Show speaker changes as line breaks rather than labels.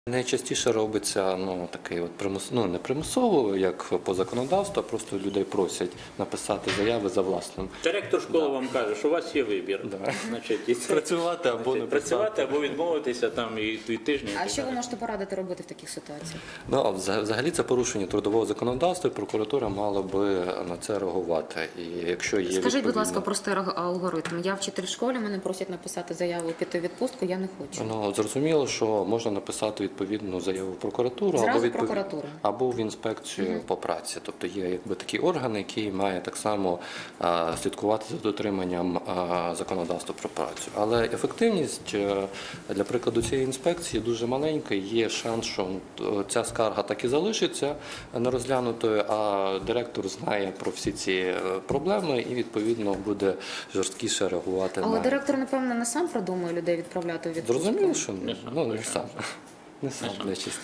Найчастіше робиться такий от не примусово, як по законодавству, а просто людей просять написати заяви за власним.
Директор школи вам каже, що у вас є вибір.
Да.
Значить,
Працювати або не
працювати, або відмовитися там і тижні.
А що ви можете порадити робити в таких ситуаціях?
Взагалі це порушення трудового законодавства, і прокуратура мала би на це реагувати. І якщо є
Скажіть, будь ласка, простий алгоритм. Я вчитель в школі, мене просять написати заяву, піти в відпустку, я не хочу.
Зрозуміло, що можна написати відповідну заяву в прокуратуру або в інспекцію по праці. Тобто є такий орган, який має так само слідкувати за дотриманням законодавства про працю. Але ефективність, для прикладу, цієї інспекції дуже маленька. Є шанс, що ця скарга так і залишиться нерозглянутою, а директор знає про всі ці проблеми і, відповідно, буде жорсткіше реагувати.
Але директор, напевно, не сам продумує людей відправляти у відпустку?
Зрозуміло, що не сам. Не сам, найчастіше.